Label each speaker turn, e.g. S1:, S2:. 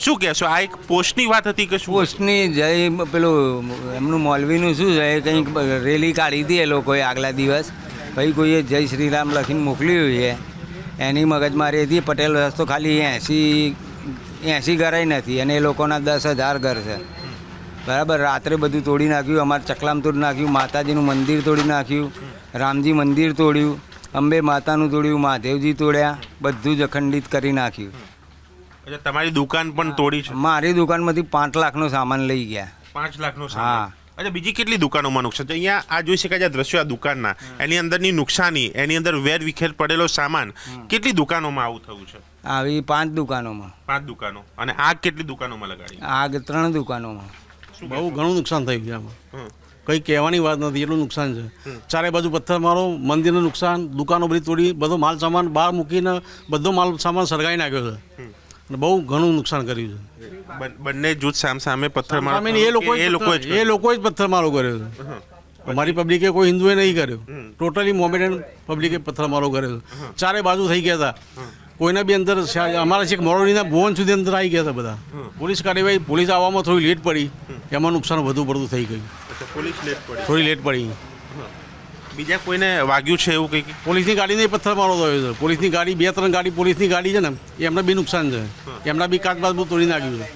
S1: શું કહેશો? આ એક પોસ્ટની વાત હતી કે શું?
S2: પોસ્ટની જય પેલું એમનું મોલવીનું શું છે કંઈક રેલી કાઢી હતી એ લોકોએ આગલા દિવસ, પછી કોઈએ જય શ્રી રામ લખીને મોકલ્યું છે, એની મગજમારી હતી. પટેલ રસ્તો ખાલી 80 ઘરાય નથી અને એ લોકોના 10,000 ઘર છે. બરાબર, રાત્રે બધું તોડી નાખ્યું, અમારે ચકલામ તોડી નાખ્યું, માતાજીનું મંદિર તોડી નાખ્યું, રામજી મંદિર તોડ્યું, અંબે માતાનું તોડ્યું, મહાદેવજી તોડ્યા, બધું જ અખંડિત કરી નાખ્યું.
S1: એટલે તમારી દુકાન પણ તોડી છે?
S2: મારી દુકાનમાંથી 5 લાખનો સામાન લઈ ગયા.
S1: 5 લાખનો
S2: હા.
S1: સામાન. અચ્છા, બીજી કેટલી દુકાનોમાં નુકસાન છે? અહીંયા આ જોઈ શકાય છે દ્રશ્યો આ દુકાનના, એની અંદરની નુકસાની, એની અંદર વેર વિખેર પડેલો સામાન, કેટલી દુકાનોમાં આવું થયું છે?
S2: આવી 5 દુકાનોમાં.
S1: 5 દુકાનો. અને આગ કેટલી દુકાનોમાં લગાડી?
S2: આગ 3 દુકાનોમાં.
S3: બહુ ઘણું નુકસાન થયું છે આમાં, કંઈ કહેવાની વાત નથી, એટલું નુકસાન છે. ચારે બાજુ પથ્થરમારો, મંદિરનું નુકસાન, દુકાનો બધી તોડી, બધો માલ સામાન બહાર મૂકીને બધો માલ સામાન સળગાવી નાખ્યો છે અને બહુ ઘણું નુકસાન કર્યું છે.
S1: બંને જૂથ સામે પથ્થરમારો
S3: સામે એ લોકોએ જ પથ્થરમારો કર્યો છે. અમારી પબ્લિકે કોઈ હિન્દુએ નહીં કર્યો, ટોટલી મોમેડન પબ્લિકે પથ્થરમારો કર્યો છે. ચારે બાજુ થઈ ગયા હતા, કોઈના બી અંદર અમારા છેક મોરબીના ભુવન સુધી અંદર આવી ગયા હતા બધા. પોલીસ કાર્યવાહી, પોલીસ આવવામાં થોડી લેટ પડી, એમાં નુકસાન વધુ પડતું થઈ ગયું. થોડી લેટ પડી.
S1: બીજા કોઈને વાગ્યું છે એવું કંઈક?
S3: પોલીસની ગાડીને પથ્થરમારો થયો છે. પોલીસની ગાડી, 2-3 ગાડી પોલીસની ગાડી છે ને, એમને બી નુકસાન છે. એમના બી કાચ બાજ બધું તોડી નાખ્યું છે.